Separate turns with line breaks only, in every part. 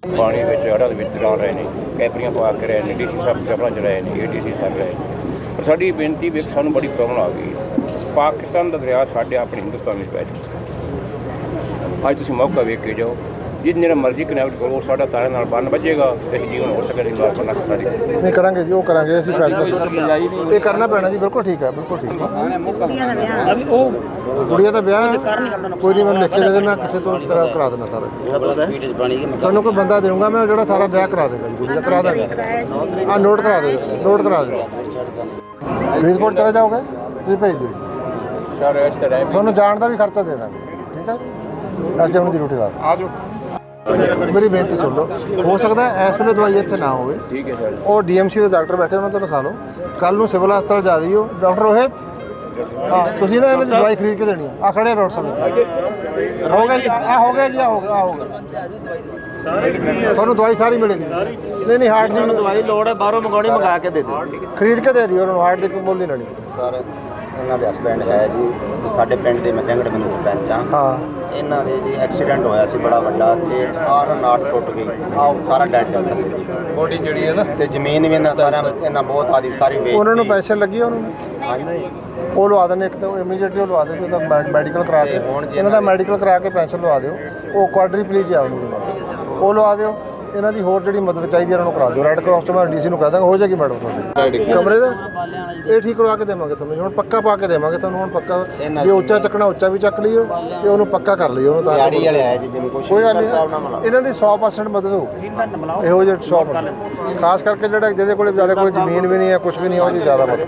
ਪਾਣੀ ਵਿੱਚ ਹੜ੍ਹਾਂ ਦੇ ਵਿੱਚ ਚਲਾ ਰਹੇ ਨੇ, ਕੈਪਰੀਆਂ ਪਾ ਕੇ ਰਹੇ ਨੇ, ਡੀਸੀ ਸਾਹਿਬ ਕੈਪਰਾਂ 'ਚ ਰਹੇ ਨੇ, ADC ਸਾਹਿਬ ਰਹੇ ਨੇ। ਪਰ ਸਾਡੀ ਬੇਨਤੀ ਵੀ ਸਾਨੂੰ ਬੜੀ ਪ੍ਰੋਬਲਮ ਆ ਗਈ। ਪਾਕਿਸਤਾਨ ਦਾ ਦਰਿਆ ਸਾਡੇ ਆਪਣੇ ਹਿੰਦੁਸਤਾਨ ਵਿੱਚ ਪੈ ਚੁੱਕਾ। ਅੱਜ ਤੁਸੀਂ ਮੌਕਾ ਵੇਖ ਕੇ ਜਾਓ, ਜਿੰਨੇ ਮਰਜ਼ੀ ਕਨੈਕਟ ਕਰੋ, ਸਾਡਾ ਤਾਰੇ ਨਾਲ ਬੰਨ ਵੱਜੇਗਾ ਤੇ ਜੀਵਨ ਹੋ ਸਕੇਗਾ।
ਨਹੀਂ ਕਰਾਂਗੇ ਜੀ, ਉਹ ਕਰਾਂਗੇ ਅਸੀਂ ਫੈਸਲਾ ਇਹ ਕਰਨਾ ਪੈਣਾ ਜੀ। ਬਿਲਕੁਲ ਠੀਕ ਹੈ, ਬਿਲਕੁਲ ਠੀਕ ਹੈ। ਗੁੜੀਆ ਦਾ ਵਿਆਹ ਕੋਈ ਨਹੀਂ, ਮੈਨੂੰ ਲਿਖ ਕੇ ਦੇ ਦੇ, ਮੈਂ ਕਿਸੇ ਤੋਂ ਤੇਰਾ ਕਰਾ ਦੇਣਾ ਸਾਰਾ। ਤੁਹਾਨੂੰ ਕੋਈ ਬੰਦਾ ਦੇਊਂਗਾ ਮੈਂ ਜਿਹੜਾ ਸਾਰਾ ਵਿਆਹ ਕਰਾ ਦੇਗਾ ਜੀ, ਗੁੜੀਆ ਕਰਾ ਦੇਗਾ। ਨੋਟ ਕਰਾ ਦੇ, ਨੋਟ ਕਰਾ ਦੇ। ਫਰੀਦਕੋਟ ਚਲੇ ਜਾਓਗੇ ਤੁਸੀਂ ਭੇਜ ਦਿਓ, ਤੁਹਾਨੂੰ ਜਾਣ ਦਾ ਵੀ ਖਰਚਾ ਦੇ ਦਾਂਗੇ। ਠੀਕ ਹੈ, ਅਸੀਂ ਆਪਣੀ ਡਿਊਟੀ ਲਾ ਆ ਜਾਓ। ਮੇਰੀ ਬੇਨਤੀ ਸੁਣ ਲਓ, ਹੋ ਸਕਦਾ ਇਸ ਵੇਲੇ ਦਵਾਈ ਇੱਥੇ ਨਾ ਹੋਵੇ। ਠੀਕ ਹੈ ਸਰ। ਉਹ DMC ਦੇ ਡਾਕਟਰ ਬੈਠੇ, ਉਹਨਾਂ ਤੋਂ ਲਿਖਾ ਲਓ। ਕੱਲ ਨੂੰ ਸਿਵਲ ਹਸਪਤਾਲ ਜਾ ਦਿਓ। ਡਾਕਟਰ ਰੋਹਿਤ, ਹਾਂ ਤੁਸੀਂ ਨਾ ਇਹਨਾਂ ਦੀ ਦਵਾਈ ਖਰੀਦ ਕੇ ਦੇਣੀ ਆ। ਖੜੇ ਡਾਕਟਰ ਸਾਹਿਬ ਹੋ ਗਿਆ ਜੀ, ਹੋ ਗਿਆ ਜੀ, ਹੋ ਗਿਆ। ਤੁਹਾਨੂੰ ਦਵਾਈ ਸਾਰੀ ਮਿਲੇਗੀ। ਨਹੀਂ ਨਹੀਂ, ਹਾਰਟ ਦੀ
ਦਵਾਈ ਲੋੜ ਹੈ, ਬਾਹਰੋਂ ਮੰਗਾਉਣੀ, ਮੰਗਾ ਕੇ ਦੇ ਦਿਓ।
ਖਰੀਦ ਕੇ ਦੇ ਦਿਓ ਉਹਨਾਂ ਨੂੰ, ਹਾਰਟ ਦੀ ਕੋਈ ਮੁੱਲ ਨਹੀਂ ਲੈਣੀ।
ਸਰ ਇਹਨਾਂ ਦੇ ਹਸਬੈਂਡ ਹੈ ਜੀ, ਸਾਡੇ ਪਿੰਡ ਦੇ ਮੈਂ ਜੰਗੜ ਮੈਨੂੰ ਸਰਪੰਚ ਹਾਂ। ਇਹਨਾਂ ਦੇ ਜੀ ਐਕਸੀਡੈਂਟ ਹੋਇਆ ਸੀ ਬੜਾ ਵੱਡਾ, ਤੇ ਆਹ ਨਾਟ ਟੁੱਟ ਗਈ, ਆਹ ਸਾਰਾ ਡੈਡ ਹੋ ਗਿਆ। ਬੋਡੀ ਜਿਹੜੀ ਹੈ ਨਾ, ਤੇ ਜ਼ਮੀਨ ਵੀ ਇਹਨਾਂ ਸਾਰਿਆਂ ਇਹਨਾਂ ਬਹੁਤ ਆਦੀ ਸਾਰੀ ਵੇਚ।
ਉਹਨਾਂ ਨੂੰ ਪੈਨਸ਼ਨ ਲੱਗੀ ਉਹਨਾਂ ਨੂੰ?
ਹਾਂਜੀ,
ਉਹ ਲਵਾ ਦੇਣੇ। ਇੱਕ ਤਾਂ ਇਮੀਡੀਏਟਲੀ ਉਹ ਲਵਾ ਦਿਓ, ਉਹਦਾ ਮੈਡੀਕਲ ਕਰਾ ਕੇ, ਇਹਨਾਂ ਦਾ ਮੈਡੀਕਲ ਕਰਾ ਕੇ ਪੈਨਸ਼ਨ ਲਵਾ ਦਿਓ। ਉਹ ਕੁਆਡਰੀਪਲੀਜੀ ਆ ਉਹਨੂੰ, ਉਹ ਲਵਾ ਦਿਓ। ਇਹਨਾਂ ਦੀ ਹੋਰ ਜਿਹੜੀ ਮਦਦ ਚਾਹੀਦੀ ਇਹਨਾਂ ਨੂੰ ਕਰਾ ਦਿਓ। ਰੈੱਡ ਕਰਾਸ ਤੋਂ ਮੈਂ DC ਨੂੰ ਕਹਿ ਦਾਂਗਾ, ਹੋ ਜਾਏਗੀ ਮੈਡਮ ਤੁਹਾਡੀ। ਕਮਰੇ ਦਾ ਇਹ ਠੀਕ ਕਰਵਾ ਕੇ ਦੇਵਾਂਗੇ ਤੁਹਾਨੂੰ, ਹੁਣ ਪੱਕਾ ਪਾ ਕੇ ਦੇਵਾਂਗੇ ਤੁਹਾਨੂੰ। ਹੁਣ ਪੱਕਾ ਜੇ ਉੱਚਾ ਚੱਕਣਾ ਉੱਚਾ ਵੀ ਚੱਕ ਲਈਓ, ਤੇ ਉਹਨੂੰ ਪੱਕਾ ਕਰ ਲਈਓ ਉਹਨੂੰ। ਤਾਂ ਕੋਈ ਗੱਲ ਨਹੀਂ, ਇਹਨਾਂ ਦੀ 100% ਮਦਦ ਹੋਊਗੀ। ਇਹੋ ਜਿਹੇ 100%, ਖਾਸ ਕਰਕੇ ਜਿਹੜਾ ਜਿਹਦੇ ਕੋਲ ਵਿਚਾਰੇ ਕੋਲ ਜ਼ਮੀਨ ਵੀ ਨਹੀਂ ਹੈ, ਕੁਝ ਵੀ ਨਹੀਂ, ਉਹਦੀ ਜ਼ਿਆਦਾ ਮਦਦ।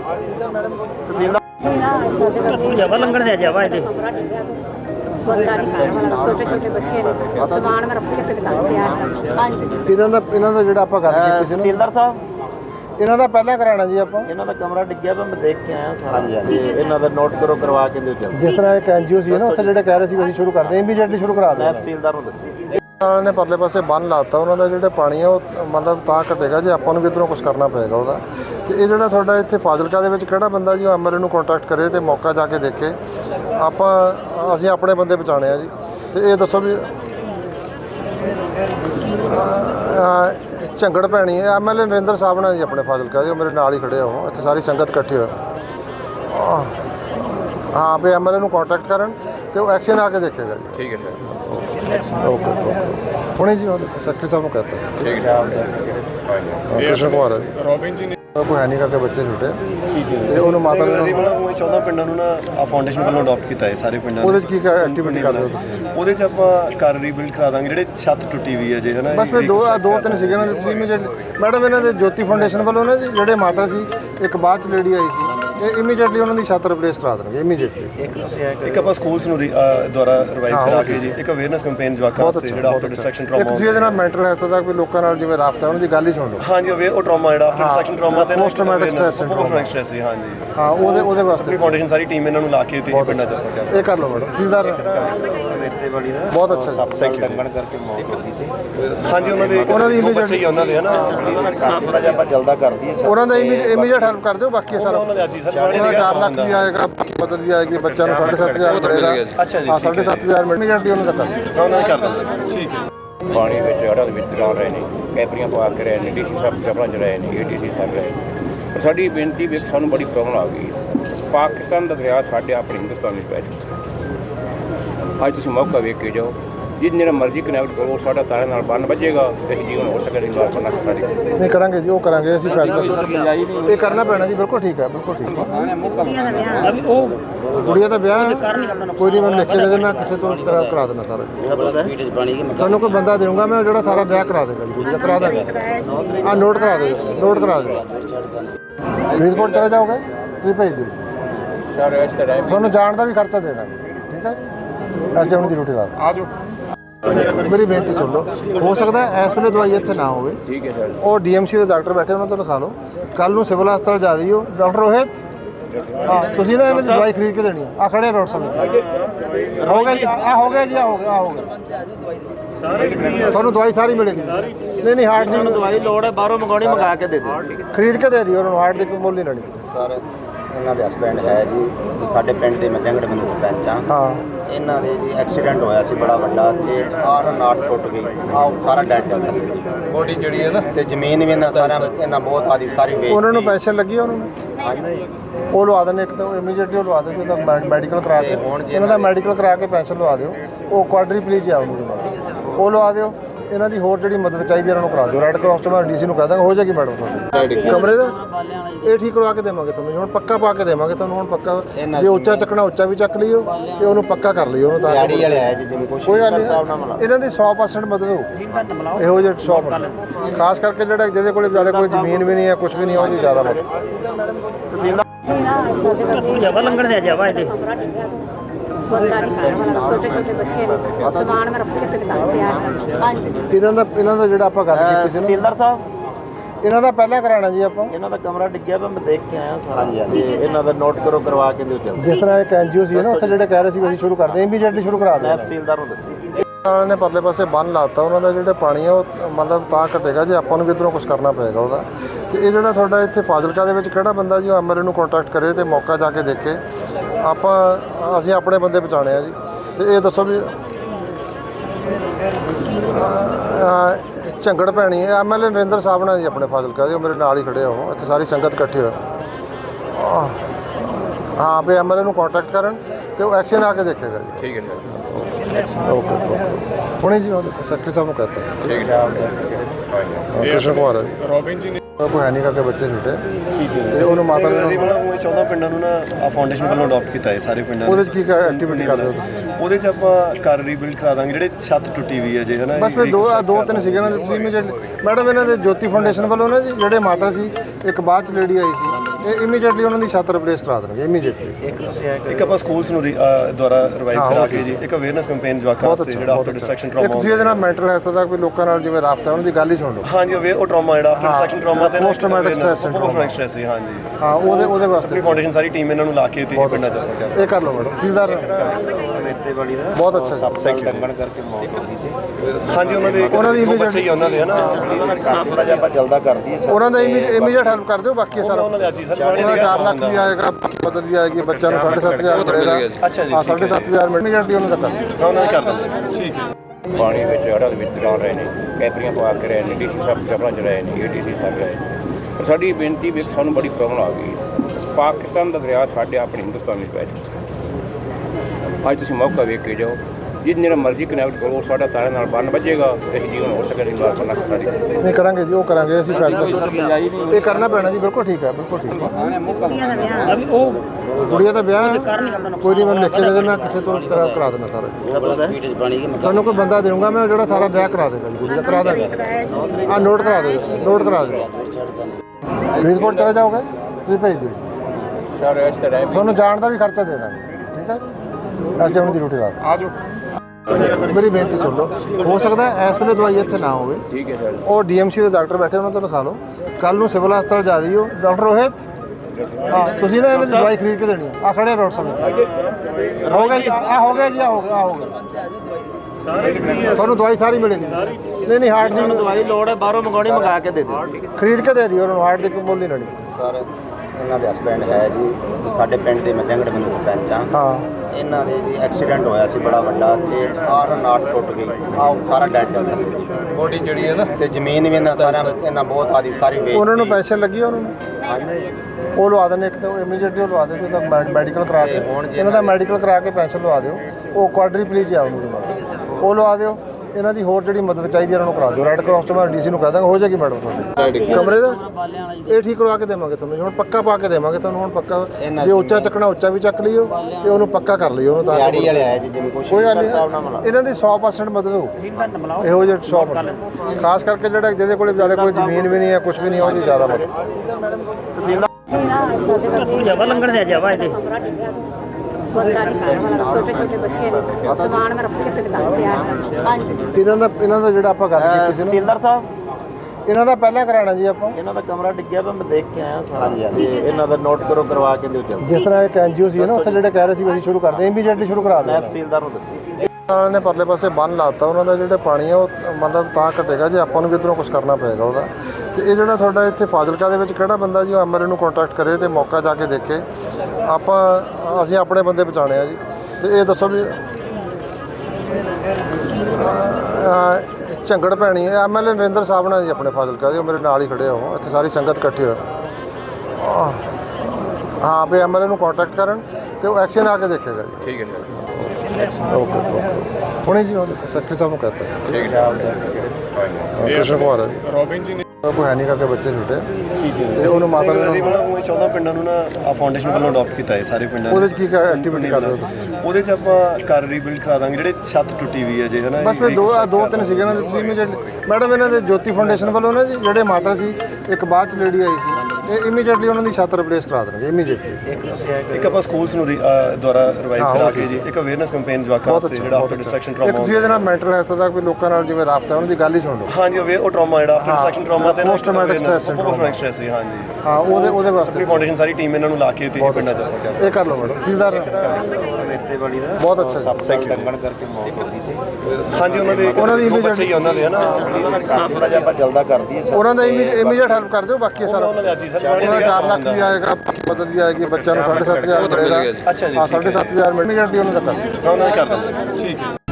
ਜਵਾ ਲੰਗਣ ਦੇ ਜਵਾ ਇਹਦੇ
ਛੋਟੇ ਛੋਟੇ ਬੱਚੇ ਨੇ, ਸਮਾਨ ਮੈਂ ਰੱਖ ਕੇ ਸਕਦਾ ਪਿਆ।
ਇਹਨਾਂ ਦਾ ਜਿਹੜਾ ਆਪਾਂ ਗੱਲ ਕੀਤੀ ਸੀ ਨਾ
ਤਹਿਸੀਲਦਾਰ ਸਾਹਿਬ,
ਇਹਨਾਂ ਦਾ ਪਹਿਲਾਂ ਕਰਾਣਾ ਜੀ ਆਪਾਂ।
ਇਹਨਾਂ ਦਾ ਕਮਰਾ ਡਿੱਗਿਆ ਪਿਆ, ਮੈਂ ਦੇਖ ਕੇ ਆਇਆ। ਹਾਂਜੀ ਹਾਂਜੀ, ਇਹਨਾਂ ਦਾ ਨੋਟ ਕਰੋ, ਕਰਵਾ ਕੇ ਦਿਓ ਜਲਦੀ।
ਜਿਸ ਤਰ੍ਹਾਂ ਇੱਕ NGO ਸੀ ਨਾ, ਉੱਥੇ ਜਿਹੜੇ ਕਹਿ ਰਹੇ ਸੀ ਅਸੀਂ ਸ਼ੁਰੂ ਕਰਦੇ, ਇਮੀਡੀਏਟਲੀ ਸ਼ੁਰੂ ਕਰਾ ਦਿਓ।
ਤਹਿਸੀਲਦਾਰ ਨੂੰ ਦੱਸੋ।
ਉਹਨਾਂ ਨੇ ਪਰਲੇ ਪਾਸੇ ਬੰਨ ਲਾਤਾ, ਉਹਨਾਂ ਦਾ ਜਿਹੜਾ ਪਾਣੀ ਹੈ ਉਹ ਮਤਲਬ ਤਾਂ ਘਟੇਗਾ ਜੇ ਆਪਾਂ ਨੂੰ ਵੀ ਇੱਧਰੋਂ ਕੁਝ ਕਰਨਾ ਪਏਗਾ ਉਹਦਾ। ਤੇ ਇਹ ਜਿਹੜਾ ਤੁਹਾਡਾ ਇੱਥੇ ਫਾਜ਼ਿਲਕਾ ਦੇ ਵਿੱਚ ਕਿਹੜਾ ਬੰਦਾ ਜੀ MLA ਨੂੰ ਕੰਟੈਕਟ ਕਰੇ ਤੇ ਮੌਕਾ ਜਾ ਕੇ ਦੇਖੇ। ਅਸੀਂ ਆਪਣੇ ਬੰਦੇ ਬਚਾਉਣੇ ਆ ਜੀ। ਤੇ ਇਹ ਦੱਸੋ ਵੀ ਝੰਗੜ ਪੈਣੀ ਹੈ। MLA ਨਰਿੰਦਰ ਸਾਹਿਬ ਨਾਲ ਜੀ ਆਪਣੇ ਫਾਜ਼ਿਲਕਾ ਦੇ, ਉਹ ਮੇਰੇ ਨਾਲ ਹੀ ਖੜੇ ਆ। ਉਹ ਇੱਥੇ ਸਾਰੀ ਸੰਗਤ ਇਕੱਠੀ ਹੋਈ। ਹਾਂ ਵੀ MLA ਨੂੰ ਕੰਟੈਕਟ ਕਰਨ ਤੇ ਉਹ ਐਕਸ਼ਨ ਆ ਕੇ ਦੇਖੇਗਾ ਜੀ।
ਠੀਕ ਹੈ ਸਰ,
ਓਕੇ। ਹੁਣੇ ਜੀ ਉਹ ਸੈਕਟਰੀ ਸਾਹਿਬ ਨੂੰ ਕਹਤਾ।
ਠੀਕ ਹੈ।
ਕ੍ਰਿਸ਼ਨ ਕੁਮਾਰ ਹੈ ਜੀ, ਰੋਬਿਨ ਜੀ ਨੇ ਕੋਈ ਹੈ ਨਹੀਂ ਕਰਕੇ ਬੱਚੇ ਛੋਟੇ। ਠੀਕ ਹੈ। ਤੇ ਉਹਨੂੰ ਮਾਤਾ ਨੇ
14 ਪਿੰਡਾਂ ਨੂੰ ਨਾ ਆ ਫਾਊਂਡੇਸ਼ਨ ਵੱਲੋਂ ਅਡਾਪਟ ਕੀਤਾ ਹੈ ਸਾਰੇ ਪਿੰਡਾਂ।
ਉਹਦੇ 'ਚ ਕੀ ਐਕਟੀਵਿਟੀ ਕਰਦੇ ਹੋ ਤੁਸੀਂ?
ਉਹਦੇ 'ਚ ਆਪਾਂ ਘਰ ਰੀਬਿਲਡ ਕਰਾ ਦਾਂਗੇ, ਜਿਹੜੇ ਛੱਤ ਟੁੱਟੀ ਹੋਈ ਹੈ ਜੇ, ਹੈ ਨਾ।
ਬਸ ਫਿਰ ਦੋ ਤਿੰਨ ਸੀਗੇ ਨਾ ਤੁਸੀਂ ਇਮੀਡੀਏਟਲੀ। ਮੈਡਮ ਇਹਨਾਂ ਦੇ ਜੋਤੀ ਫਾਊਂਡੇਸ਼ਨ ਵੱਲੋਂ ਨਾ ਜੀ ਜਿਹੜੇ ਮਾਤਾ ਸੀ, ਇੱਕ ਬਾਅਦ 'ਚ ਲੇਡੀ ਆਈ ਸੀ, ਇਹ ਇਮੀਡੀਏਟਲੀ ਉਹਨਾਂ ਦੀ ਛੱਤ ਰਿਪਲੇਸ ਕਰਾ ਦੇਣਗੇ ਇਮੀਡੀਏਟਲੀ।
ਇੱਕ ਆਪਾਂ ਸਕੂਲਸ ਨੂੰ ਦੁਆਰਾ ਰਿਵਾਈਵ ਕਰਾ ਕੇ ਜੀ ਇੱਕ ਅਵੇਅਰਨੈਸ ਕੈਂਪੇਨ ਜਵਾਕਾਂ ਵਾਸਤੇ, ਜਿਹੜਾ ਆਫਟਰ ਡਿਸਟਰੈਕਸ਼ਨ ਟਰਾਮਾ।
ਇੱਕ ਦੂਜੇ ਦੇ ਨਾਲ ਮੈਂਟਲ ਹੈਲਥ ਦਾ ਕੋਈ ਲੋਕਾਂ ਨਾਲ ਜਿਵੇਂ ਰਾਬਤਾ, ਉਹਨਾਂ ਦੀ ਗੱਲ ਹੀ ਸੁਣ ਲਓ।
ਹਾਂਜੀ, ਉਹ ਟਰਾਮਾ ਜਿਹੜਾ ਆਫਟਰ ਡਿਸਟਰੈਕਸ਼ਨ ਟਰਾਮਾ ਤੇ
ਪੋਸਟ ਟਰਾਮੈਟਿਕ ਸਟ੍ਰੈਸ
ਹਾਂਜੀ
ਹਾਂ, ਉਹਦੇ ਵਾਸਤੇ
ਆਪਣੀ ਫਾਊਂਡੇਸ਼ਨ ਸਾਰੀ ਟੀਮ ਇਹਨਾਂ ਨੂੰ ਲਾ ਕੇ ਤੇ ਪਿੰਡਾਂ 'ਚ
ਇਹ ਕਰ ਲਓ ਮੈਡਮ। ਸੀਜ਼ਰ
ਰੇਤੇ ਵਾਲੀ ਦਾ
ਬਹੁਤ ਅੱਛਾ
ਥੈਂਕ ਯੂ ਕਰਕੇ ਮੌਤ ਹੋ ਗਈ ਸੀ।
ਹਾਂਜੀ, ਉਹਨਾਂ ਦੀ ਬੱਚੇ ਹੀ ਉਹਨਾਂ ਦੇ, ਹੈ ਨਾ।
ਥੋੜਾ ਜਿਹਾ ਆਪਾਂ ਜਲਦਾ ਕਰ ਦਈਏ,
ਉਹਨਾਂ ਦਾ ਇਮੀਡੀਏਟ ਹੈਲਪ ਕਰ ਦਿਓ। ਬਾਕੀ ਸਾਰਾ
ਉਹਨਾਂ ਦੇ ਅੱਜ ਹੀ ਸਰ
4 ਲੱਖ ਵੀ ਆਏਗਾ, ਮਦਦ ਵੀ ਆਏਗੀ। ਬੱਚਿਆਂ ਨੂੰ 7,500 ਮਿਲੇਗਾ।
ਅੱਛਾ ਜੀ,
ਹਾਂ 7,500 ਇਮੀਡੀਏਟਲੀ ਉਹਨਾਂ ਦਾ ਕਰ
ਉਹਨਾਂ ਨੇ ਕਰ ਦਿੰਦੇ। ਠੀਕ ਹੈ।
ਪਾਣੀ ਵਿੱਚ ਹੜ੍ਹਾਂ ਦੇ ਵਿੱਚ ਚਲਾ ਰਹੇ ਨੇ, ਕੈਪਰੀਆਂ ਪਾ ਕੇ ਰਹੇ ਨੇ, DC ਸਾਹਿਬ ਕੈਪਰਾਂ 'ਚ ਰਹੇ ਨੇ, ADC ਸਾਹਿਬ ਰਹੇ ਨੇ। ਪਰ ਸਾਡੀ ਬੇਨਤੀ ਵੀ ਸਾਨੂੰ ਬੜੀ ਪ੍ਰੋਬਲਮ ਆ ਗਈ। ਪਾਕਿਸਤਾਨ ਦਾ ਦਰਿਆ ਸਾਡੇ ਆਪਣੇ ਹਿੰਦੁਸਤਾਨ ਵਿੱਚ ਪੈ ਚੁੱਕਾ। ਅੱਜ ਤੁਸੀਂ ਮੌਕਾ ਵੇਖ ਕੇ ਜਾਓ, ਜਿੰਨੇ ਮਰਜ਼ੀ ਕਨੈਕਟ ਕਰੋ, ਸਾਡਾ ਤਾਰੇ ਨਾਲ ਬੰਨ ਵੱਜੇਗਾ ਤੇ ਜੀਵਨ ਹੋ ਸਕੇਗਾ।
ਨਹੀਂ ਕਰਾਂਗੇ ਜੀ, ਉਹ ਕਰਾਂਗੇ ਅਸੀਂ ਫੈਸਲਾ ਇਹ ਕਰਨਾ ਪੈਣਾ ਜੀ। ਬਿਲਕੁਲ ਠੀਕ ਹੈ, ਬਿਲਕੁਲ ਠੀਕ ਹੈ। ਗੁੜੀਆ ਦਾ ਵਿਆਹ ਕੋਈ ਨਹੀਂ, ਮੈਨੂੰ ਲਿਖ ਕੇ ਦੇ ਦੇ, ਮੈਂ ਕਿਸੇ ਤੋਂ ਤੇਰਾ ਕਰਾ ਦੇਣਾ ਸਾਰਾ। ਤੁਹਾਨੂੰ ਕੋਈ ਬੰਦਾ ਦੇਊਂਗਾ ਮੈਂ ਜਿਹੜਾ ਸਾਰਾ ਵਿਆਹ ਕਰਾ ਦੇਗਾ ਜੀ, ਗੁੜੀਆ ਕਰਾ ਦਾਂਗਾ। ਨੋਟ ਕਰਾ ਦਿਓ, ਨੋਟ ਕਰਾ ਦਿਓ। ਫਰੀਦਕੋਟ ਚਲੇ ਜਾਓਗੇ ਤੁਸੀਂ ਭੇਜ ਦਿਓ, ਤੁਹਾਨੂੰ ਜਾਣ ਦਾ ਵੀ ਖਰਚਾ ਦੇ ਦਾਂਗੇ। ਠੀਕ ਹੈ, ਅਸੀਂ ਆਪਣੀ ਡਿਊਟੀ ਲਾ ਆ ਜਾਓ। ਮੇਰੀ ਬੇਨਤੀ ਸੁਣ ਲਓ, ਹੋ ਸਕਦਾ ਇਸ ਵੇਲੇ ਦਵਾਈ ਇੱਥੇ ਨਾ ਹੋਵੇ। ਠੀਕ ਹੈ ਸਰ। ਉਹ DMC ਦੇ ਡਾਕਟਰ ਬੈਠੇ, ਉਹਨਾਂ ਤੋਂ ਲਿਖਾ ਲਓ। ਕੱਲ ਨੂੰ ਸਿਵਲ ਹਸਪਤਾਲ ਜਾ ਦਿਓ। ਡਾਕਟਰ ਰੋਹਿਤ, ਹਾਂ ਤੁਸੀਂ ਨਾ ਇਹਨਾਂ ਦੀ ਦਵਾਈ ਖਰੀਦ ਕੇ ਦੇਣੀ ਆ। ਖੜੇ ਡਾਕਟਰ ਸਾਹਿਬ ਹੋ ਗਿਆ ਜੀ, ਹੋ ਗਿਆ ਜੀ, ਹੋ ਗਿਆ। ਤੁਹਾਨੂੰ ਦਵਾਈ ਸਾਰੀ ਮਿਲੇਗੀ। ਨਹੀਂ ਨਹੀਂ, ਹਾਰਟ ਦੀ
ਦਵਾਈ ਲੋੜ ਹੈ, ਬਾਹਰੋਂ ਮੰਗਾਉਣੀ, ਮੰਗਾ ਕੇ ਦੇ ਦਿਓ।
ਖਰੀਦ ਕੇ ਦੇ ਦਿਓ ਉਹਨਾਂ ਨੂੰ, ਹਾਰਟ ਦੀ ਕੋਈ ਮੁੱਲ ਨਹੀਂ ਲੈਣੀ।
ਸਰ ਇਹਨਾਂ ਦੇ ਹਸਬੈਂਡ ਹੈ ਜੀ, ਸਾਡੇ ਪਿੰਡ ਦੇ ਮੈਂ ਜੰਗੜ ਮੈਨੂੰ ਸਰਪੰਚ ਹਾਂ। ਇਹਨਾਂ ਦੇ ਜੀ ਐਕਸੀਡੈਂਟ ਹੋਇਆ ਸੀ ਬੜਾ ਵੱਡਾ ਤੇ ਆਹ ਨਾਟ ਟੁੱਟ ਗਈ, ਆਹ ਸਾਰਾ ਡੈਂਟ ਹੈ ਬੋਡੀ ਜਿਹੜੀ ਹੈ ਨਾ, ਤੇ ਜ਼ਮੀਨ ਵੀ ਇਹਨਾਂ ਸਾਰਿਆਂ ਇਹਨਾਂ ਬਹੁਤ ਆਦੀ ਸਾਰੀ ਵੇਚ
ਉਹਨਾਂ ਨੂੰ ਪੈਨਸ਼ਨ ਲੱਗੀ ਉਹਨਾਂ ਨੂੰ ਉਹ ਲਵਾ ਦੇਣੇ, ਇੱਕ ਤਾਂ ਇਮੀਡੀਏਟਲੀ ਉਹ ਲਵਾ ਦਿਓ, ਉਹਦਾ ਮੈਡੀਕਲ ਕਰਾ ਕੇ ਇਹਨਾਂ ਦਾ ਮੈਡੀਕਲ ਕਰਾ ਕੇ ਪੈਨਸ਼ਨ ਲਵਾ ਦਿਓ। ਉਹ ਕੁਆਡਰੀਪਲੀਜੀ ਆ ਉਹ ਲਵਾ ਦਿਓ। ਇਹਨਾਂ ਦੀ ਹੋਰ ਜਿਹੜੀ ਮਦਦ ਚਾਹੀਦੀ ਇਹਨਾਂ ਨੂੰ ਕਰਾ ਦਿਓ। ਰੈੱਡ ਕਰਾਸ ਤੋਂ ਮੈਂ ਡੀਸੀ ਨੂੰ ਕਹਿ ਦਾਂਗਾ, ਹੋ ਜਾਏਗੀ ਮੈਡਮ ਤੁਹਾਡੀ ਕਮਰੇ ਦਾ ਇਹ ਠੀਕ ਕਰਵਾ ਕੇ ਦੇਵਾਂਗੇ ਤੁਹਾਨੂੰ। ਹੁਣ ਪੱਕਾ ਪਾ ਕੇ ਦੇਵਾਂਗੇ ਤੁਹਾਨੂੰ। ਹੁਣ ਪੱਕਾ ਜੇ ਉੱਚਾ ਚੱਕਣਾ ਉੱਚਾ ਵੀ ਚੱਕ ਲਈਓ ਤੇ ਉਹਨੂੰ ਪੱਕਾ ਕਰ ਲਈਓ ਉਹਨੂੰ। ਤਾਂ ਕੋਈ ਗੱਲ ਨਹੀਂ, ਇਹਨਾਂ ਦੀ 100% ਮਦਦ ਹੋਊ। ਇਹੋ ਜਿਹੇ 100%, ਖਾਸ ਕਰਕੇ ਜਿਹੜਾ ਜਿਹਦੇ ਕੋਲ ਜ਼ਮੀਨ ਵੀ ਨਹੀਂ ਹੈ, ਕੁਝ ਵੀ ਨਹੀਂ, ਉਹਦੀ ਜ਼ਿਆਦਾ ਮਦਦ।
ਜਵਾ ਲੰਗਣ ਦੇ ਜਵਾ ਇਹਦੇ ਛੋਟੇ ਛੋਟੇ ਬੱਚੇ ਨੇ, ਸਮਾਨ ਮੈਂ ਰੱਖ ਕੇ ਸਿੱਧਾ ਪਿਆ। ਹਾਂਜੀ
ਇਹਨਾਂ ਦਾ ਜਿਹੜਾ ਆਪਾਂ ਗੱਲ ਕੀਤੀ ਸੀ ਨਾ
ਤਹਿਸੀਲਦਾਰ ਸਾਹਿਬ,
ਇਹਨਾਂ ਦਾ ਪਹਿਲਾਂ ਕਰਾਣਾ ਜੀ ਆਪਾਂ।
ਇਹਨਾਂ ਦਾ ਕਮਰਾ ਡਿੱਗਿਆ ਪਿਆ, ਮੈਂ ਦੇਖ ਕੇ ਆਇਆ ਸਾਰਾ। ਤੇ ਇਹਨਾਂ ਦਾ ਨੋਟ ਕਰਵਾ ਕੇ ਦਿਓ ਜਲਦੀ।
ਜਿਸ ਤਰ੍ਹਾਂ ਇੱਕ ਐਨਜੀਓ ਸੀ ਨਾ, ਉੱਥੇ ਜਿਹੜੇ ਕਹਿ ਰਹੇ ਸੀ ਅਸੀਂ ਸ਼ੁਰੂ ਕਰਦੇ, ਇਮੀਡੀਏਟਲੀ ਸ਼ੁਰੂ ਕਰਾ ਦਿਓ।
ਤਹਿਸੀਲਦਾਰ ਨੂੰ ਦੱਸੋ।
ਉਹਨਾਂ ਨੇ ਪਰਲੇ ਪਾਸੇ ਬੰਨ ਲਾਤਾ, ਉਹਨਾਂ ਦਾ ਜਿਹੜਾ ਪਾਣੀ ਆ ਉਹ ਮਤਲਬ ਤਾਂ ਘਟੇਗਾ ਜੇ ਆਪਾਂ ਨੂੰ ਵੀ ਇੱਧਰੋਂ ਕੁਝ ਕਰਨਾ ਪਏਗਾ ਉਹਦਾ। ਤੇ ਇਹ ਜਿਹੜਾ ਤੁਹਾਡਾ ਇੱਥੇ ਫਾਜ਼ਿਲਕਾ ਦੇ ਵਿੱਚ ਕਿਹੜਾ ਬੰਦਾ ਜੀ ਉਹ ਐਮਐਲਏ ਨੂੰ ਕੰਟੈਕਟ ਕਰੇ ਤੇ ਮੌਕਾ ਜਾ ਕੇ ਦੇਖੇ। ਅਸੀਂ ਆਪਣੇ ਬੰਦੇ ਬਚਾਉਣੇ ਆ ਜੀ। ਤੇ ਇਹ ਦੱਸੋ ਵੀ ਝੰਗੜ ਪੈਣੀ ਹੈ ਐਮਐਲਏ ਨਰਿੰਦਰ ਸਾਹਿਬ ਨਾਲ ਜੀ ਆਪਣੇ ਫਾਜ਼ਿਲਕਾ ਦੇ, ਉਹ ਮੇਰੇ ਨਾਲ ਹੀ ਖੜੇ ਆ। ਉਹ ਇੱਥੇ ਸਾਰੀ ਸੰਗਤ ਇਕੱਠੀ ਹੋਈ। ਹਾਂ ਵੀ ਐਮਐਲਏ ਨੂੰ ਕੰਟੈਕਟ ਕਰਨ ਤੇ ਉਹ ਐਕਸ਼ਨ ਆ ਕੇ ਦੇਖੇਗਾ ਜੀ।
ਠੀਕ ਹੈ ਸਰ।
ਓਕੇ ਹੁਣੇ ਜੀ ਸੈਕਟਰੀ ਸਾਹਿਬ ਨੂੰ ਕਹਤਾ।
ਠੀਕ ਹੈ
ਕ੍ਰਿਸ਼ਨ ਕੁਮਾਰ ਹੈ ਰੋਬਿਨ ਜੀ ਨੇ ਕੋਈ ਹੈ ਨਹੀਂ ਕਰਕੇ ਬੱਚੇ ਛੁੱਟੇ ਤੇ ਉਹਨੂੰ ਮਾਤਾ ਨੇ
ਅਸੀਂ ਮਤਲਬ ਉਹ 14 ਪਿੰਡਾਂ ਨੂੰ ਨਾ ਆ ਫਾਊਂਡੇਸ਼ਨ ਵੱਲੋਂ ਅਡਾਪਟ ਕੀਤਾ ਹੈ ਸਾਰੇ ਪਿੰਡਾਂ
ਉਹਦੇ 'ਚ ਕੀ ਐਕਟੀਵਿਟੀ ਕਰਦੇ ਹੋ ਤੁਸੀਂ?
ਉਹਦੇ 'ਚ ਆਪਾਂ ਘਰ ਰੀਬਿਲਡ ਕਰਾ ਦਾਂਗੇ ਜਿਹੜੇ ਛੱਤ ਟੁੱਟੀ ਹੋਈ ਹੈ ਜੇ ਹੈ ਨਾ।
ਬਸ ਫਿਰ ਦੋ ਤਿੰਨ ਸੀਗੇ ਨਾ ਤੁਸੀਂ ਮੈਡਮ ਇਹਨਾਂ ਦੇ ਜੋਤੀ ਫਾਊਂਡੇਸ਼ਨ ਵੱਲੋਂ ਨਾ ਜੀ ਜਿਹੜੇ ਮਾਤਾ ਸੀ, ਇੱਕ ਬਾਅਦ 'ਚ ਲੇਡੀ ਆਈ ਸੀ, ਇਹ ਇਮੀਡੀਏਟਲੀ ਉਹਨਾਂ ਦੀ ਛੱਤ ਰਿਪਲੇਸ ਕਰਾ ਦੇਣਗੇ ਇਮੀਡੀਏਟਲੀ।
ਇੱਕ ਆਪਾਂ ਸਕੂਲਸ ਨੂੰ ਦੁਆਰਾ ਰਿਵਾਈਵ ਕਰਾ ਕੇ ਜੀ ਇੱਕ ਅਵੇਅਰਨੈਸ ਕੈਂਪੇਨ ਜਵਾਕਾਂ ਵਾਸਤੇ ਜਿਹੜਾ ਆਫਟਰ ਡਿਸਟਰੈਕਸ਼ਨ ਟਰਾਮਾ।
ਇੱਕ ਤੁਸੀਂ ਇਹਦੇ ਨਾਲ ਮੈਂਟਲ ਹੈਲਥ ਦਾ ਕੋਈ ਲੋਕਾਂ ਨਾਲ ਜਿਵੇਂ ਰਾਬਤਾ ਉਹਨਾਂ ਦੀ ਗੱਲ ਹੀ ਸੁਣ ਲਓ।
ਹਾਂਜੀ ਉਹ ਟਰਾਮਾ ਜਿਹੜਾ ਆਫਟਰ ਡਿਸਟਰੈਕਸ਼ਨ ਟਰਾਮਾ ਤੇ
ਪੋਸਟ ਟਰਾਮੈਟਿਕ ਸਟ੍ਰੈਸ
ਸਟ੍ਰੈਸ ਸੀ। ਹਾਂਜੀ
ਹਾਂ ਉਹਦੇ ਵਾਸਤੇ
ਫਾਊਂਡੇਸ਼ਨ ਸਾਰੀ ਟੀਮ ਇਹਨਾਂ ਨੂੰ ਲਾ ਕੇ ਤੇ ਪਿੰਡਾਂ ਚ
ਇਹ ਕਰ ਲਓ ਮੈਡਮ। ਸੀਜ਼ਰ
ਰੇਤੇ ਵਾਲੀ ਦਾ
ਬਹੁਤ ਅੱਛਾ
ਥੈਂਕ ਯੂ ਕਰਕੇ ਮੌਤ ਹੋ ਗਈ ਸੀ।
ਹਾਂਜੀ ਉਹਨਾਂ ਦੀ ਬੱਚੇ ਹੀ ਉਹਨਾਂ ਦੇ ਹੈ ਨਾ।
ਥੋੜਾ ਜਿਹਾ ਆਪਾਂ ਜਲਦਾ ਕਰਦੀ ਹੈ
ਉਹਨਾਂ ਦਾ ਇਮੀਡੀਏਟ ਹੈਲਪ ਕਰ ਦਿਓ। ਬਾਕੀ ਸਾਰਾ
ਉਹਨਾਂ ਦੇ ਅੱਜ ਹੀ ਸਰ
4 ਲੱਖ ਵੀ ਆਏਗਾ, ਮਦਦ ਵੀ ਆਏਗੀ, ਬੱਚਿਆਂ ਨੂੰ 7,500 ਮਿਲੇਗਾ।
ਅੱਛਾ ਜੀ।
ਹਾਂ 7,500 ਇਮੀਡੀਏਟਲੀ ਉਹਨਾਂ ਦਾ ਕਰ ਦਿਓ।
ਉਹਨਾਂ ਨੇ ਕਰ ਦਿੰਦੇ। ਠੀਕ ਹੈ।
ਪਾਣੀ ਵਿੱਚ ਹੜ੍ਹਾਂ ਦੇ ਵਿੱਚ ਰਹਿ ਰਹੇ ਨੇ, ਕੈਪਰੀਆਂ ਪਵਾ ਕੇ ਰਹੇ ਨੇ, ਡੀਸੀ ਸਾਹਿਬ ਜਬਰਾਂ 'ਚ ਰਹੇ ਨੇ, ਏਡੀਸੀ ਸਾਹਿਬ ਰਹੇ ਨੇ। ਪਰ ਸਾਡੀ ਬੇਨਤੀ ਵੀ ਸਾਨੂੰ ਬੜੀ ਪ੍ਰੋਬਲਮ ਆ ਗਈ। ਪਾਕਿਸਤਾਨ ਦਾ ਦਰਿਆ ਸਾਡੇ ਆਪਣੇ ਹਿੰਦੁਸਤਾਨ ਵਿੱਚ ਪੈ ਚੁੱਕਾ। ਅੱਜ ਤੁਸੀਂ ਮੌਕਾ ਵੇਖ ਕੇ ਜਾਓ, ਜਿੰਨਾ ਮਰਜ਼ੀ ਕਨੈਕਟ ਕਰੋ, ਸਾਡਾ ਤਾਰੇ ਨਾਲ ਬੰਨ ਵੱਜੇਗਾ ਤੇ ਜੀਵਨ ਹੋ ਸਕੇਗਾ।
ਨਹੀਂ ਕਰਾਂਗੇ ਜੀ, ਉਹ ਕਰਾਂਗੇ ਅਸੀਂ ਫੈਸਲਾ। ਇਹ ਕਰਨਾ ਪੈਣਾ ਜੀ। ਬਿਲਕੁਲ ਠੀਕ ਹੈ, ਬਿਲਕੁਲ ਠੀਕ ਹੈ। ਕੁੜੀਆਂ ਦਾ ਵਿਆਹ ਕੋਈ ਨਹੀਂ, ਮੈਨੂੰ ਲਿਖ ਕੇ ਦੇ ਦੇ, ਮੈਂ ਕਿਸੇ ਤੋਂ ਤਰ੍ਹਾਂ ਕਰਾ ਦੇਣਾ ਸਾਰਾ। ਤੁਹਾਨੂੰ ਕੋਈ ਬੰਦਾ ਦੇਵਾਂਗਾ ਮੈਂ ਜਿਹੜਾ ਸਾਰਾ ਵਿਆਹ ਕਰਾ ਦੇਗਾ ਜੀ। ਕੁੜੀ ਦਾ ਕਰਾ ਦਾਂਗਾ। ਆਹ ਨੋਟ ਕਰਾ ਦਿਓ, ਨੋਟ ਕਰਾ ਦਿਓ। ਫਰੀਦਕੋਟ ਚਲੇ ਜਾਓਗੇ ਤੁਸੀਂ, ਭੇਜ ਦਿਓ। ਤੁਹਾਨੂੰ ਜਾਣ ਦਾ ਵੀ ਖਰਚਾ ਦੇ ਦਾਂਗੇ। ਠੀਕ ਹੈ ਜੀ, ਅਸੀਂ ਦੀ ਡਿਊਟੀ ਲਾ
ਆ ਜਾਓ।
ਮੇਰੀ ਬੇਨਤੀ ਸੁਣ ਲਓ। ਹੋ ਸਕਦਾ ਇਸ ਵੇਲੇ ਦਵਾਈ ਇੱਥੇ ਨਾ ਹੋਵੇ।
ਠੀਕ ਹੈ ਸਰ।
ਉਹ ਡੀਐਮਸੀ ਦੇ ਡਾਕਟਰ ਬੈਠੇ, ਉਹਨਾਂ ਤੋਂ ਲਿਖਾ ਲਓ। ਕੱਲ ਨੂੰ ਸਿਵਲ ਹਸਪਤਾਲ ਜਾ ਦਿਓ। ਡਾਕਟਰ ਰੋਹਿਤ, ਹਾਂ ਤੁਸੀਂ ਨਾ ਇਹਨਾਂ ਦੀ ਦਵਾਈ ਖਰੀਦ ਕੇ ਦੇਣੀ ਆ। ਖੜੇ ਡਾਕਟਰ ਸਾਹਿਬ ਹੋ ਗਿਆ ਜੀ, ਹੋ ਗਿਆ ਜੀ, ਹੋ ਗਿਆ। ਤੁਹਾਨੂੰ ਦਵਾਈ ਸਾਰੀ ਮਿਲੇਗੀ। ਨਹੀਂ ਹਾਰਟ ਦੀ
ਦਵਾਈ ਲੋੜ ਹੈ, ਬਾਹਰੋਂ ਮੰਗਾਉਣੀ ਮੰਗਾ ਕੇ ਦੇ ਦਿਓ।
ਖਰੀਦ ਕੇ ਦੇ ਦਿਓ ਉਹਨਾਂ ਨੂੰ, ਹਾਰਟ ਦੀ ਕੋਈ ਮੁੱਲ ਨਹੀਂ ਲੈਣੀ।
ਸਰ ਇਹਨਾਂ ਦੇ ਹਸਬੈਂਡ ਹੈ ਜੀ ਸਾਡੇ ਪਿੰਡ ਦੇ, ਮੈਂ ਜੰਗੜ ਮੈਨੂੰ ਸਰਪੰਚ ਹਾਂ।
ਹਾਂ
ਇਹਨਾਂ ਦੇ ਜੀ ਐਕਸੀਡੈਂਟ ਹੋਇਆ ਸੀ ਬੜਾ ਵੱਡਾ ਤੇ ਆਹ ਨਾਟ ਟੁੱਟ ਗਈ, ਆਹ ਸਾਰਾ ਡੈਂਟ ਹੈ ਬੋਡੀ ਜਿਹੜੀ ਹੈ ਨਾ, ਤੇ ਜ਼ਮੀਨ ਵੀ ਇਹਨਾਂ ਸਾਰਿਆਂ ਇਹਨਾਂ ਬਹੁਤ ਆਦੀ ਸਾਰੀ ਵੇਚ।
ਉਹਨਾਂ ਨੂੰ ਪੈਨਸ਼ਨ ਲੱਗੀ ਉਹਨਾਂ ਨੂੰ ਉਹ ਲਵਾ ਦੇਣੇ। ਇੱਕ ਤਾਂ ਇਮੀਡੀਏਟਲੀ ਉਹ ਲਵਾ ਦਿਓ, ਉਹਦਾ ਮੈਡੀਕਲ ਕਰਾ ਕੇ ਇਹਨਾਂ ਦਾ ਮੈਡੀਕਲ ਕਰਾ ਕੇ ਪੈਨਸ਼ਨ ਲਵਾ ਦਿਓ। ਉਹ ਕੁਆਡਰੀਪਲੀਜੀ ਆ ਉਹਨੂੰ, ਉਹ ਲਵਾ ਦਿਓ। ਇਹਨਾਂ ਦੀ ਹੋਰ ਜਿਹੜੀ ਮਦਦ ਚਾਹੀਦੀ ਇਹਨਾਂ ਨੂੰ ਕਰਾ ਦਿਓ। ਰੈੱਡ ਕਰਾਸ ਤੋਂ ਮੈਂ ਡੀਸੀ ਨੂੰ ਕਹਿ ਦਾਂਗਾ, ਹੋ ਜਾਏਗੀ ਮੈਡਮ ਤੁਹਾਡੀ ਕਮਰੇ ਦਾ ਇਹ ਠੀਕ ਕਰਵਾ ਕੇ ਦੇਵਾਂਗੇ ਤੁਹਾਨੂੰ। ਹੁਣ ਪੱਕਾ ਪਾ ਕੇ ਦੇਵਾਂਗੇ ਤੁਹਾਨੂੰ। ਹੁਣ ਪੱਕਾ ਜੇ ਉੱਚਾ ਚੱਕਣਾ ਉੱਚਾ ਵੀ ਚੱਕ ਲਈਓ ਤੇ ਉਹਨੂੰ ਪੱਕਾ ਕਰ ਲਈਓ ਉਹਨੂੰ। ਤਾਂ ਕੋਈ ਗੱਲ ਨਹੀਂ, ਇਹਨਾਂ ਦੀ 100% ਮਦਦ ਹੋਊ। ਇਹੋ ਜਿਹੇ 100%, ਖਾਸ ਕਰਕੇ ਜਿਹੜਾ ਜਿਹਦੇ ਕੋਲ ਜ਼ਮੀਨ ਵੀ ਨਹੀਂ ਹੈ, ਕੁਝ ਵੀ ਨਹੀਂ, ਉਹਦੀ ਜ਼ਿਆਦਾ ਮਦਦ।
ਜਵਾ ਲੰਗਣ ਦੇ ਜਵਾ ਇਹਦੇ ਛੋਟੇ ਛੋਟੇ ਬੱਚੇ ਨੇ, ਸਮਾਨ ਮੈਂ ਰੱਖ ਕੇ ਸਿੱਧਾ ਪਿਆ। ਹਾਂਜੀ
ਇਹਨਾਂ ਦਾ ਜਿਹੜਾ ਆਪਾਂ ਗੱਲ ਕੀਤੀ ਸੀ ਨਾ,
ਤਹਿਸੀਲਦਾਰ ਸਾਹਿਬ,
ਇਹਨਾਂ ਦਾ ਪਹਿਲਾਂ ਕਰਾਣਾ ਜੀ ਆਪਾਂ।
ਇਹਨਾਂ ਦਾ ਕਮਰਾ ਡਿੱਗਿਆ ਪਿਆ, ਮੈਂ ਦੇਖ ਕੇ ਆਇਆ ਸਾਰਾ। ਤੇ ਇਹਨਾਂ ਦਾ ਨੋਟ ਕਰਵਾ ਕੇ ਦਿਓ ਜਲਦੀ।
ਜਿਸ ਤਰ੍ਹਾਂ ਇੱਕ ਐਨਜੀਓ ਸੀ ਨਾ, ਉੱਥੇ ਜਿਹੜੇ ਕਹਿ ਰਹੇ ਸੀ ਅਸੀਂ ਸ਼ੁਰੂ ਕਰਦੇ, ਇਮੀਡੀਏਟਲੀ ਸ਼ੁਰੂ ਕਰਾ ਦਿਓ।
ਤਹਿਸੀਲਦਾਰ ਨੂੰ ਦੱਸੋ।
ਉਹਨਾਂ ਨੇ ਪਰਲੇ ਪਾਸੇ ਬੰਨ ਲਾਤਾ, ਉਹਨਾਂ ਦਾ ਜਿਹੜਾ ਪਾਣੀ ਆ ਉਹ ਮਤਲਬ ਤਾਂ ਘਟੇਗਾ ਜੇ ਆਪਾਂ ਨੂੰ ਵੀ ਇੱਧਰੋਂ ਕੁਝ ਕਰਨਾ ਪਏਗਾ ਉਹਦਾ। ਤੇ ਇਹ ਜਿਹੜਾ ਤੁਹਾਡਾ ਇੱਥੇ ਫਾਜ਼ਿਲਕਾ ਦੇ ਵਿੱਚ ਕਿਹੜਾ ਬੰਦਾ ਜੀ ਉਹ ਐਮਐਲਏ ਨੂੰ ਕੰਟੈਕਟ ਕਰੇ ਤੇ ਮੌਕਾ ਜਾ ਕੇ ਦੇਖੇ। ਅਸੀਂ ਆਪਣੇ ਬੰਦੇ ਬਚਾਉਣੇ ਆ ਜੀ। ਤੇ ਇਹ ਦੱਸੋ ਵੀ ਝੰਗੜ ਪੈਣੀ ਹੈ ਐਮਐਲਏ ਨਰਿੰਦਰ ਸਾਹਿਬ ਨਾਲ ਜੀ ਆਪਣੇ ਫਾਜ਼ਿਲਕਾ ਦੇ, ਉਹ ਮੇਰੇ ਨਾਲ ਹੀ ਖੜੇ ਹੋ, ਇੱਥੇ ਸਾਰੀ ਸੰਗਤ ਇਕੱਠੀ ਹੋਈ। ਹਾਂ ਵੀ ਐਮਐਲਏ ਨੂੰ ਕੰਟੈਕਟ ਕਰਨ ਤੇ ਉਹ ਐਕਸ਼ਨ ਆ ਕੇ ਦੇਖੇਗਾ ਜੀ।
ਠੀਕ ਹੈ ਸਰ।
ਓਕੇ ਹੁਣੇ ਜੀ ਉਹ ਸੈਕਟਰੀ ਸਾਹਿਬ ਨੂੰ ਕਹਤਾ
ਠੀਕ ਹੈ।
ਕ੍ਰਿਸ਼ਨ ਕੁਮਾਰ ਹੈ ਜੀ।
ਰੋਬਿਨ ਜੀ ਨੇ
ਕੋਈ ਹੈ ਨਹੀਂ ਕਰਕੇ ਬੱਚੇ ਛੋਟੇ
ਠੀਕ ਹੈ
ਤੇ ਉਹਨੂੰ ਮਾਤਾ
ਅਸੀਂ
ਨੂੰ
ਮਤਲਬ ਉਹ 14 ਪਿੰਡਾਂ ਨੂੰ ਨਾ ਆ ਫਾਊਂਡੇਸ਼ਨ ਵੱਲੋਂ ਅਡਾਪਟ ਕੀਤਾ ਹੈ ਸਾਰੇ ਪਿੰਡਾਂ
ਉਹਦੇ 'ਚ ਕੀ ਐਕਟੀਵਿਟੀ ਕਰ ਰਹੇ ਹੋ ਤੁਸੀਂ?
ਉਹਦੇ 'ਚ ਆਪਾਂ ਘਰ ਰੀਬਿਲਡ ਕਰਾ ਦਾਂਗੇ ਜਿਹੜੇ ਛੱਤ ਟੁੱਟੀ ਹੋਈ ਹੈ ਜੇ ਹੈ ਨਾ
ਬਸ ਫਿਰ ਦੋ ਤਿੰਨ ਸੀਗੇ ਨਾ ਤੁਸੀਂ ਇਮੀਡੀਏਟਲੀ ਮੈਡਮ ਇਹਨਾਂ ਦੇ ਜੋਤੀ ਫਾਊਂਡੇਸ਼ਨ ਵੱਲੋਂ ਨਾ ਜੀ ਜਿਹੜੇ ਮਾਤਾ ਸੀ ਇੱਕ ਬਾਅਦ ਚ ਲੇਡੀ ਆਈ ਸੀ ਇਹ ਇਮੀਡੀਏਟਲੀ ਉਹਨਾਂ ਦੀ ਛੱਤ ਰਿਪਲੇਸ ਕਰਾ ਦੇਣਗੇ ਇਮੀਡੀਏਟਲੀ।
ਇੱਕ ਆਪਾਂ ਸਕੂਲਸ ਨੂੰ ਦੁਆਰਾ ਰਿਵਾਈਵ ਕਰਾ ਕੇ ਜੀ ਇੱਕ ਅਵੇਅਰਨੈਸ ਕੈਂਪੇਨ ਜਵਾਕਾਂ ਤੇ ਜਿਹੜਾ ਆਫਟਰ ਡਿਸਟਰੈਕਸ਼ਨ
ਇੱਕ
ਟਰਾਮਾ
ਦੂਜੇ ਦੇ ਨਾਲ ਮੈਂਟਲ ਹੈਲਥ ਦਾ ਕੋਈ ਲੋਕਾਂ ਨਾਲ ਜਿਵੇਂ ਰਾਬਤਾ ਉਹਨਾਂ ਦੀ ਗੱਲ ਹੀ ਸੁਣ ਲਓ।
ਹਾਂਜੀ ਉਹ ਟਰਾਮਾ ਜਿਹੜਾ ਆਫਟਰ ਡਿਸਟਰੈਕਸ਼ਨ ਟਰਾਮਾ ਤੇ
Post traumatic stress syndrome।
Post traumatic stress ਹਾਂਜੀ
ਹਾਂ ਉਹਦੇ ਵਾਸਤੇ
ਆਪਣੀ ਫਾਊਂਡੇਸ਼ਨ ਸਾਰੀ ਟੀਮ ਇਹਨਾਂ ਨੂੰ ਲਾ ਕੇ ਤੇ ਪਿੰਡਾਂ ਚ ਆਪਾਂ ਕਿਆ
ਇਹ ਕਰ ਲਓ ਮੈਡਮ ਸੀਜ਼ਰ
ਰੇਤੇ ਵਾਲੀ ਦਾ
ਬਹੁਤ ਅੱਛਾ ਜੀ।
ਥੈਂਕ ਯੂ
ਟੰਗਣ ਕਰਕੇ ਮੌਤ ਹੋ ਗਈ ਸੀ।
ਹਾਂਜੀ ਉਹਨਾਂ ਦੇ ਦੋ ਬੱਚੇ ਹੀ ਆ ਉਹਨਾਂ ਦੇ ਹਨਾ
ਥੋੜਾ ਜਿਹਾ ਆਪਾਂ ਜਲਦਾ ਕਰ ਦਈਏ
ਉਹਨਾਂ ਦਾ ਇਮੀਡੀਏਟ ਹੈਲਪ ਕਰ ਦਿਓ ਬਾਕੀ ਸਾਰਾ
ਉਹਨਾਂ ਦੇ ਅੱਜ ਹੀ ਸਰ
ਉਹਨਾਂ ਦਾ 4 ਲੱਖ ਵੀ ਆਏਗਾ ਮਦਦ ਵੀ ਆਏਗੀ ਬੱਚਿਆਂ ਨੂੰ 7,500 ਮਿਲੇਗਾ।
ਅੱਛਾ ਜੀ
7,500 ਇਮੀਡੀਏਟਲੀ ਉਹਨਾਂ ਦਾ ਕਰ ਦਿਓ।
ਉਹਨਾਂ ਨੇ ਕਰ ਦਿੰਦੇ ਠੀਕ ਹੈ